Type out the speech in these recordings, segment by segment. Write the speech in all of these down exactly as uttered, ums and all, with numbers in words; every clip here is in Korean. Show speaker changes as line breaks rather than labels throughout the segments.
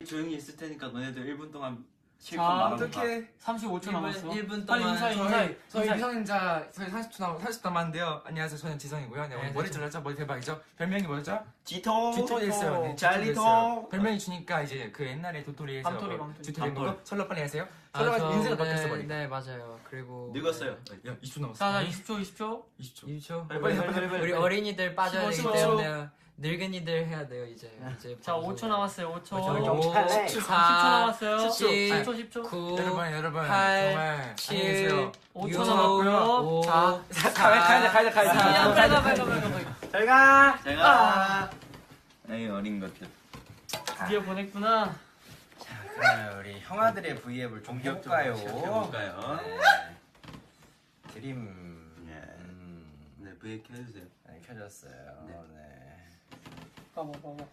조용히 있을 테니까 너네들 일 분 동안 실컷
자,
말하고
어떻게
삼십오 초 남았어.
일 분
빨리
동안
인사해,
저희
인사해.
저희
인사해.
미성년자 저희 사십 초 남 사십 초 남았는데요. 안녕하세요. 저는 지성이고요. 네, 오늘
네,
머리
저-
잘랐죠? 머리 대박이죠? 별명이 뭐였죠?
지토
쥐토 됐어요. 네,
잘리토.
쥐토 됐어요. 별명이 주니까 이제 그 옛날에 도토리에서
밤토리,
뭐
밤토리.
쥐토 된
밤토리.
거고 설러 빨리 하세요.
아,
설러가
저
인생을
오늘-
바뀌었어 버리.
네 맞아요. 그리고
늙었어요.
야 이십 초 남았어.
자, 자, 이십 초, 이십 초.
이십 초.
일 초.
빨리 빨리 빨리 빨리.
우리
빨리.
어린이들 빠져야 되기
십오 초.
때문에 늙은이들 해야 돼요 이제. 이제
자, 오 초 남았어요. 오 초.
오,
십 초 남았어요.
십,
십 초, 십 초.
구,
여러분 여러분
팔,
정말
칠,
안녕히 계세요.
오
육,
초 남았고요.
오,
자,
사,
가야 가야 가야 가야
삼,
야, 빨리 가, 빨리 가, 빨리 가, 빨리 가.
잘 가.
제가 에이 어린 것들.
드디어 보냈구나.
그러면 우리 형아들의 브이앱을 좀 해볼까요?
해볼까요?
네. 드림.
네.
음,
네, 브이앱 켜주세요.
네, 켜졌어요.
네.
네.
봐봐, 봐봐.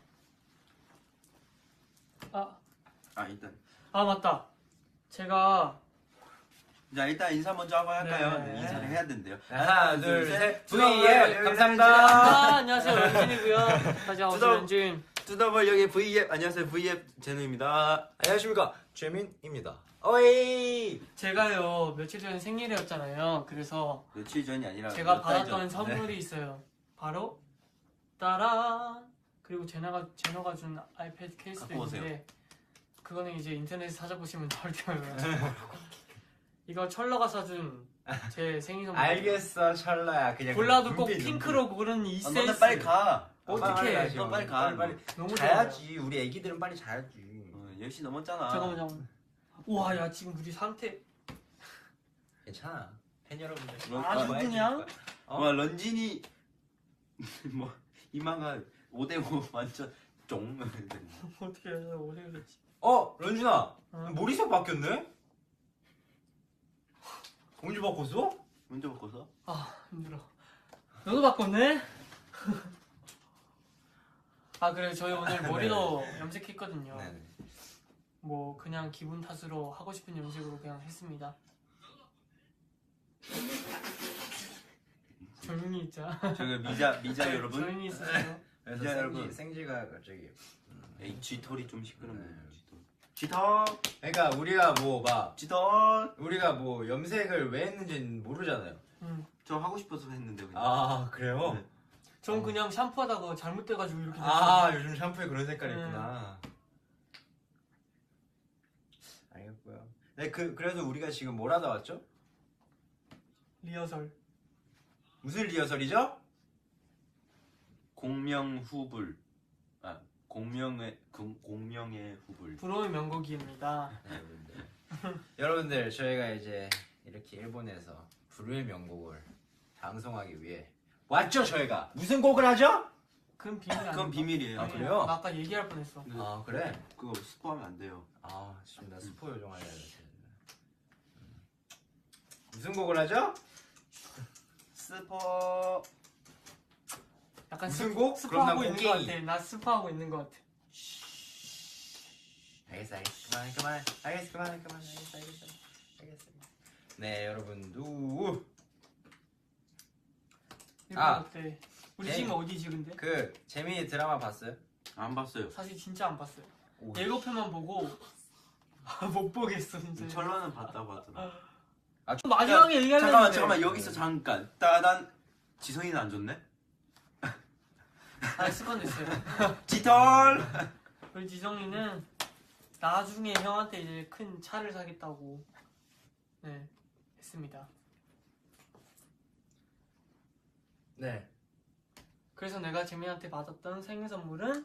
아,
아 일단
아 맞다. 제가
자 일단 인사 먼저 하고 할까요?
네.
네, 인사를 해야 된대요.
하나, 둘, 셋.
브이앱
브이앱 감사합니다.
아, 안녕하세요, 런쥔이고요. 다시 한번
주동.
런쥔.
뚜더벌 여기 브이앱 안녕하세요 브이앱 제누입니다.
안녕하십니까 재민입니다. 어이.
제가요 며칠 전에 생일이었잖아요. 그래서
며칠 전이 아니라
제가
몇달
받았던
전.
선물이 있어요. 바로 따란. 그리고 제너가 제너가 준 아이패드 케이스도
갖고 오세요.
있는데 그거는 이제 인터넷에 찾아보시면 나올 거예요. 이거 철러가 사준 제 생일 선물.
알겠어 철러야 그냥.
골라도 꼭
눈빛,
핑크로 고른 이
아,
센스.
너네 빨리 가.
어떡해.
빨리
너 빨리 가.
빨리 빨리.
너무
자야지. 우리 애기들은 빨리 자야지.
어, 열 시 넘었잖아.
좋아요. 잠깐만 잠깐만. 우와 야 지금 우리 상태
괜찮아. 팬 여러분들.
런-
아주
아,
그냥
어?
와 런쥔이 뭐 이마가 오 대 오 완전 쫑.
어떻게 해서 오래 그랬지.
어 런쥔아.
어.
머리색 바뀌었네? 언제 바꿨어?
먼저 바꿔서.
아 힘들어. 너도 바꿨네? 아 그래 저희 오늘 머리도 염색했거든요.
네네.
뭐 그냥 기분 탓으로 하고 싶은 염색으로 그냥 했습니다. 조용히 있자.
저기 미자 미자 여러분.
조용히 있으세요.
그래서
이제
생지,
여러분.
생지가 갑자기.
에이 쥐털이 좀 시끄럽네.
네.
쥐털. 쥐털.
그러니까 우리가 뭐 막
쥐털.
우리가 뭐 염색을 왜 했는지는 모르잖아요.
음.
저 하고 싶어서 했는데 그냥.
아 그래요?
네.
전 그냥 샴푸하다가 잘못돼가지고 이렇게 됐어요.
아 요즘 샴푸에 그런 색깔이
음.
있구나. 알겠고요. 네, 그 그래서 우리가 지금 뭘 하다 왔죠?
리허설.
무슨 리허설이죠?
공명 후불. 아 공명의 공, 공명의 후불.
부러운 명곡입니다.
네, 여러분들. 여러분들 저희가 이제 이렇게 일본에서 불후의 명곡을 방송하기 위해 왔죠 저희가. 무슨 곡을 하죠?
그건 비밀 아니야.
그건 비밀이에요.
아, 그래요?
나 아까 얘기할 뻔했어.
네.
아 그래?
그거 스포하면 안 돼요.
아 지금 나 스포 요정하려 했는데. 무슨 곡을 하죠?
스포.
약간
무슨
스-
곡? 그럼 난
스파하고 있는 것
곡괭이.
같아. 나 스파하고 있는 것 같아.
알겠어 알겠어 그만 그만 알겠어 그만 그만 알겠어 알겠어 알겠어. 네 여러분도
일본
아.
어때? 우리
네.
지금 어디지 근데?
그 재미 드라마 봤어요?
안 봤어요.
사실 진짜 안 봤어요.
오.
예고편만 보고 아, 못 보겠어 진짜.
철러는 봤다고 하더라.
마지막에 얘기하려는데
잠깐만 잠깐만 여기서 잠깐. 따단. 지성이는 안 좋네?
아 습관됐어요.
쥐털.
우리 지성이는 나중에 형한테 이제 큰 차를 사겠다고 네 했습니다.
네.
그래서 내가 재민한테 받았던 생일 선물은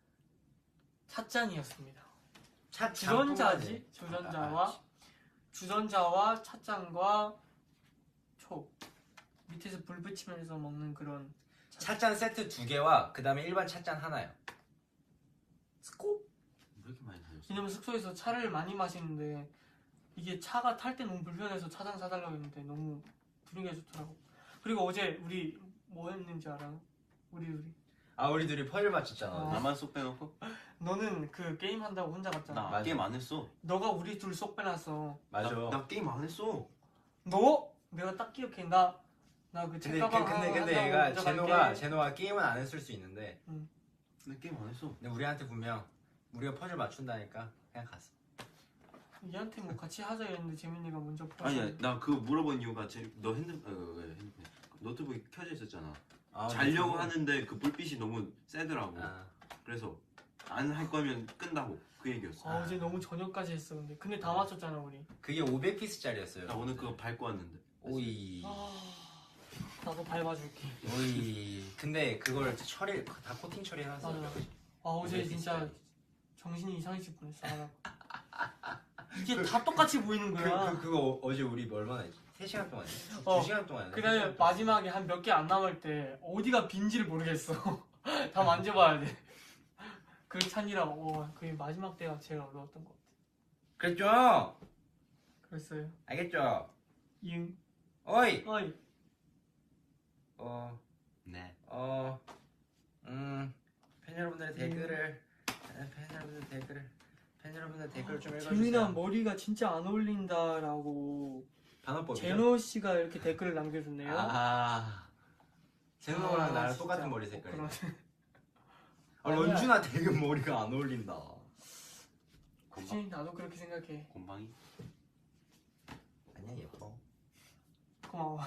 찻잔이었습니다.
차
주전자지?
아,
주전자와 주전자와 찻잔과 초 밑에서 불 붙이면서 먹는 그런
찻잔 세트 두 개와 그 다음에 일반 찻잔 하나요.
스코?
왜 이렇게 많이 사셨어?
왜냐면 숙소에서 차를 많이 마시는데 이게 차가 탈 때 너무 불편해서 차장 사달라고 했는데 너무 분위기가 좋더라고. 그리고 어제 우리 뭐 했는지 알아요? 우리 둘이
아 우리 둘이 퍼즐 맞췄잖아.
어.
나만 쏙 빼놓고?
너는 그 게임 한다고 혼자 갔잖아.
나
맞아.
게임 안 했어.
너가 우리 둘 쏙 빼놨어.
맞아.
나, 나 게임 안 했어.
너? 내가 딱 기억해. 나 나 그
근데 그,
책가방
근데 근데
한다고
얘가
혼자
제노가
갈게.
제노가 게임은 안 했을 수 있는데
나 게임 안 했어.
근데 우리한테 분명 우리가 퍼즐 맞춘다니까 그냥 갔어.
얘한테 뭐 같이 하자 이랬는데 재민이가 먼저 퍼즐.
아니야 나 그거 물어본 이유가 제, 너 핸드 어, 어, 핸드폰 노트북이 켜져 있었잖아.
아,
자려고
그거?
하는데 그 불빛이 너무 세더라고.
아,
그래서 안 할 거면 끈다고 그 얘기였어.
아 어제 너무 저녁까지 했어 근데 근데 다 맞췄잖아 우리.
그게 오백 피스짜리였어요.
나 오늘 그거 밟고 왔는데.
오이.
아 나도 밟아줄게.
오이. 근데 그걸 처리 다 코팅 처리해놨어.
맞아. 아 어제 진짜 정신이 이상해질 뻔했어. 하다가. 이게 다 똑같이 보이는
그,
거야.
그, 그거 어제 우리 얼마나 했지? 세 시간 동안 했지?
어.
두 시간 동안 했나?
그다음에 마지막에 한 몇 개 안 남을 때 어디가 빈지를 모르겠어. 다 만져봐야 돼. 그 찬이라 어, 그 마지막 때가 제일 어려웠던 것 같아.
그랬죠?
그랬어요.
알겠죠?
이응.
어이!
어이.
어,
네.
어, 음, 팬 여러분들의 댓글을, 아, 팬 여러분들 댓글을, 팬 여러분들 댓글 좀 읽어주세요.
재민아 머리가 진짜 안 어울린다라고
반어법이죠?
제노 씨가 이렇게 댓글을 남겨줬네요.
아, 제노랑
아,
나랑
진짜.
똑같은 머리
어,
색깔이네.
그러네.
아, 런쥔아 되게 머리가 안 어울린다.
그치 나도 그렇게 생각해.
곰방이?
아니야, 예뻐.
고마워.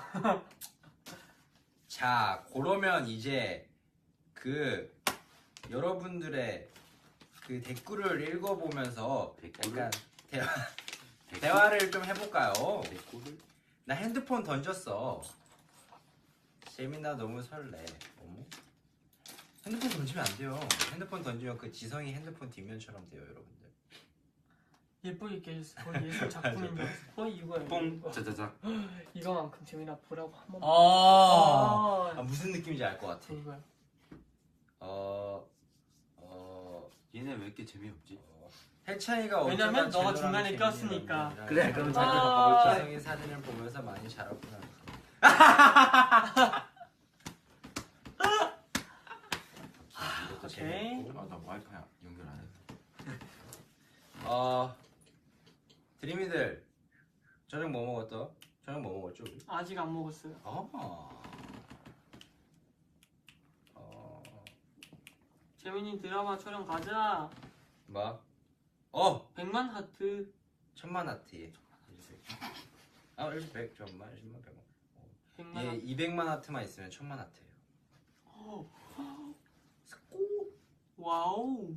자, 그러면 이제 그 여러분들의 그 댓글을 읽어보면서
댓글을?
약간 대화, 대화를 좀 해볼까요?
댓글을?
나 핸드폰 던졌어. 재민아 너무 설레. 어머? 핸드폰 던지면 안 돼요. 핸드폰 던지면 그 지성이 핸드폰 뒷면처럼 돼요, 여러분들.
예쁘게 이렇게 해줬어. 거의 예술 작품인 줄 알았어. 거의 이거야.
뽕!
이거.
짜자작.
이거만큼 재민아 보라고 한 번.
아,
아,
무슨 느낌인지 알 것 같아.
이거야.
어, 어,
얘네 왜 이렇게 재미없지?
해찬이가
왜냐면
어쩌다
너가
제노랑
중간에
재민이랑
꼈으니까.
런쥔이랑
그래, 그럼
재민이랑
자기가 먹을 거야.
지성이 사진을 보면서 많이 자랐구나. 이것도
오케이.
재밌고.
아, 나 와이파이 연결 안 했어.
어, 드림이들 저녁 뭐 먹었어? 저녁 뭐 먹었죠 우리?
아직 안 먹었어요.
어. 어.
재민이 드라마 촬영 가자.
뭐? 어,
백만 하트.
천만 하트. 아, 일백 천만, 십만, 백만.
백만
얘
하트.
이백만 하트만 있으면 천만 하트예요.
어,
스코.
와우.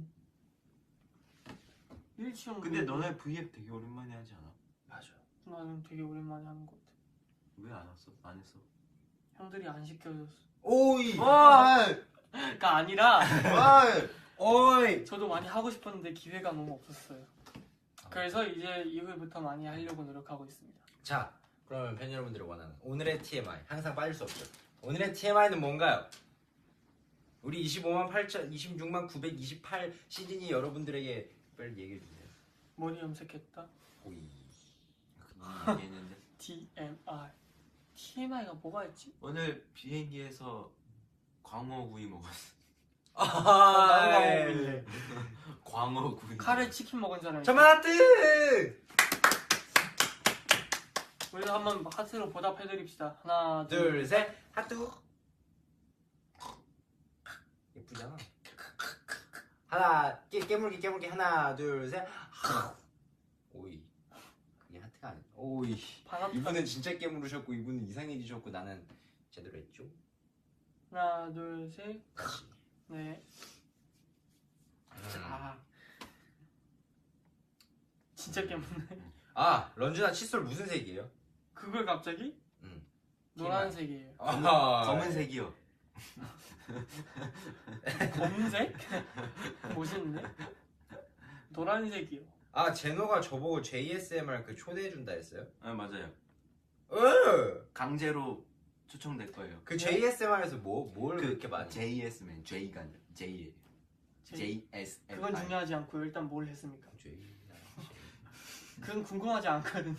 일치형.
근데 너네 브이앱 되게 오랜만에 하지 않아?
맞아.
나는 되게 오랜만에 하는 것 같아.
왜 안 왔어? 안 했어?
형들이 안 시켜줬어.
오이.
어이!
그러니까 아니라
어이!
오이.
저도 많이 하고 싶었는데 기회가 너무 없었어요. 그래서 이제 이후부터 많이 하려고 노력하고 있습니다.
자, 그러면 팬 여러분들이 원하는 오늘의 티엠아이 항상 빠질 수 없죠. 오늘의 티엠아이는 뭔가요? 우리 이십오만 팔천, 이십육만 구백이십팔 시즌이 여러분들에게 빨리 얘기해 주세요.
머리 염색했다.
오이.
얘기했는데
티엠아이. 티엠아이가 뭐가 있지?
오늘 비행기에서 광어구이 먹었어.
나도
아,
먹을래.
광어구이.
카레 치킨 먹은 사람.
천만 하트.
우리도 한번 하트로 보답해드립시다. 하나, 둘,
둘, 셋, 하트. 예쁘잖아. 하나, 깨, 깨물기, 깨물기, 하나, 둘, 셋. 오이. 그게 하트가 아니야. 오이.
반합.
이분은 진짜 깨물으셨고, 이분은 이상해지셨고, 나는 제대로 했죠.
하나, 둘, 셋.
다시.
네.
아,
진짜 깨문네.
아, 런쥔아 칫솔 무슨 색이에요?
그걸 갑자기?
응.
노란색이에요.
아,
검은색이요.
검은색? 멋있네. 노란색이요.
아, 제노가 저보고 제이에스엠알 그 초대해준다 했어요?
아 맞아요.
어!
강제로 초청될 거예요.
그 제이에스엠알에서 뭐, 뭘
그
그렇게 많이
제이에스맨 J가 아니라 J
제-
제이에스엠.
그건 중요하지 않고요. 일단 뭘 했습니까?
제이...
그건 궁금하지 않거든요.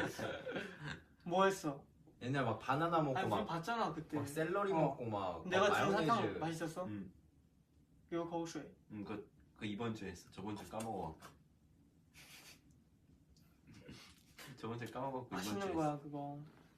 뭐 했어?
옛날 막 바나나 먹고
아니 우리
막,
봤잖아 그때.
막 샐러리
어.
먹고 막
내가
막
준 사탕
마요네즈.
맛있었어?
음,
이거 거울쇠.
음, 그, 그 이번 주에 했어. 저번 주 까먹어. 저번 주에 까먹었고 이번 주에
맛있는
했어.
거야 그거.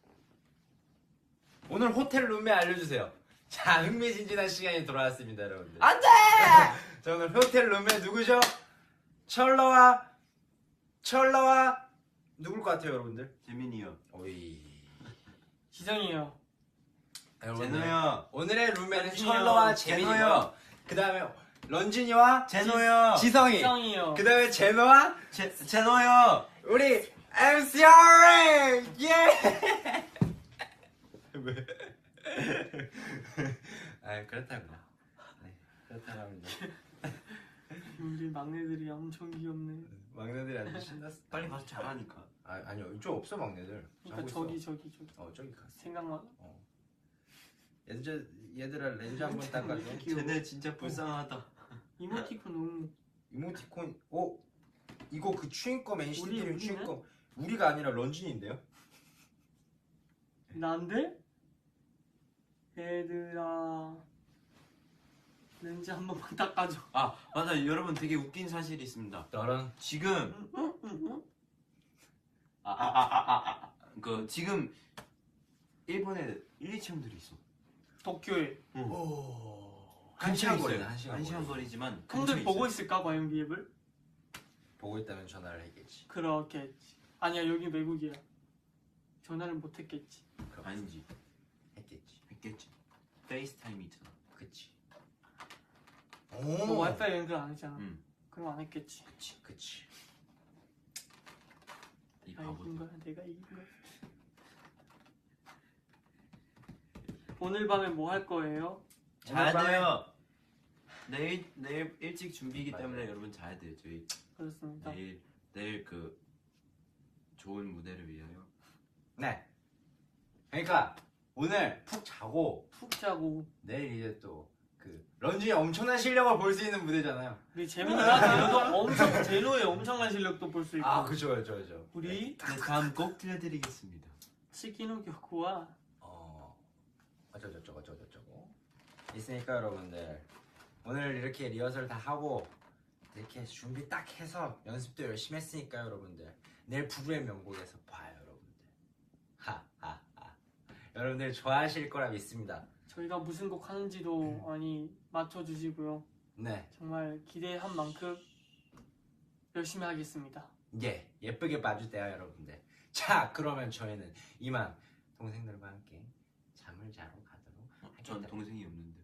오늘 호텔 룸메 알려주세요. 자, 흥미진진한 시간이 돌아왔습니다, 여러분들.
안돼!
자, 오늘 호텔 룸메 누구죠? 철러와 철러와 누굴 것 같아요, 여러분들?
재민이요.
오이.
지성이요.
제노요.
오늘의 룸메는
런쥔이요.
철러와
제노요.
재민이요. 그다음에 런쥔이와
제노요.
지성이.
지성이요.
그다음에 제노와
제 제노요.
우리 엠씨알 예. 왜? 아 그렇다고. 네, 그렇다고 합니다.
우리 막내들이 엄청 귀엽네.
막내들이 아주 신났어.
빨리 가서 잘하니까.
아 아니요 이쪽 없어 막내들.
그러니까
자고
저기
있어.
저기 저기
어 저기 갔어.
생각나.
어. 얘들 얘들아 렌즈 한번 닦아줘.
귀여워.
쟤네 진짜 불쌍하다.
이모티콘 너무
이모티콘. 오 이거 그 추인검 엔시티
우리,
드림
우리네?
추인검. 우리가 아니라 런쥔인데요?
난데? 얘들아 렌즈 한 번만 닦아줘.
아 맞아 여러분 되게 웃긴 사실이 있습니다.
너랑
지금
응? 응? 응?
아 아 아 아 아 그 지금 일본에 일, 이 체험들이 있어.
도쿄에
오.
근처에
한 시간
있어요.
거리네 한 시간,
한 시간
거리.
거리지만
형들
근처에
보고
있어요.
있을까 과연 비앱을?
보고 있다면 전화를 했겠지.
그렇겠지. 아니야 여기 외국이야. 전화를 못 했겠지.
그럼
아니지
했겠지.
했겠지. 페이스타임이 있잖아.
그치.
너
오.
와이파이 연결 안 했잖아.
응.
그럼 안 했겠지.
그치 그치.
이
내가 이긴
바보들.
거야. 내가 이긴 거야. 오늘 밤에 뭐 할 거예요?
자야
오늘 밤에-
돼요. 내일 내일 일찍 준비이기
맞아요.
때문에 여러분 자야 돼요. 저희
그렇습니다.
내일 내일 그 좋은 무대를 위하여.
네. 그러니까 오늘 푹 자고
푹 자고
내일 이제 또 그 런쥔이 엄청난 실력을 볼 수 있는 무대잖아요.
우리 재민이가 제노도 엄청 제노의 엄청난 실력도 볼 수 있고
아 그죠 그죠 그죠.
우리
네, 다음 꼭 들려드리겠습니다.
시키노 교쿠와
어 어쩌고 저쩌고 저쩌고 저쩌고 있으니까 여러분들 오늘 이렇게 리허설 다 하고 이렇게 준비 딱 해서 연습도 열심히 했으니까 여러분들 내일 부부의 명곡에서 봐요 여러분들. 하하하. 여러분들 좋아하실 거라 믿습니다.
저희가 무슨 곡 하는지도 많이 맞춰주시고요.
네.
정말 기대한 만큼 열심히 하겠습니다.
예, 예쁘게 봐주세요 여러분들. 자 그러면 저희는 이만 동생들과 함께 잠을 자러 가도록
전
하겠습니다.
동생이 없는데.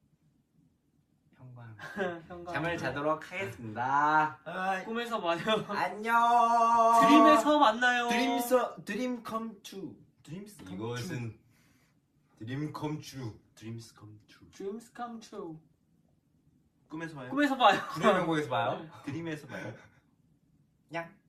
형과 함께
형과
잠을
함께
자도록 하겠습니다.
꿈에서 봐요.
안녕.
드림에서 만나요.
드림서 드림 컴 트루. 드림스 컴
이것은 드림 컴츄
드림스 컴 트루.
Dreams come true.
꿈에서 봐요.
꿈에서 봐요.
구의 명곡에서 봐요.
드림에서 봐요.
냥.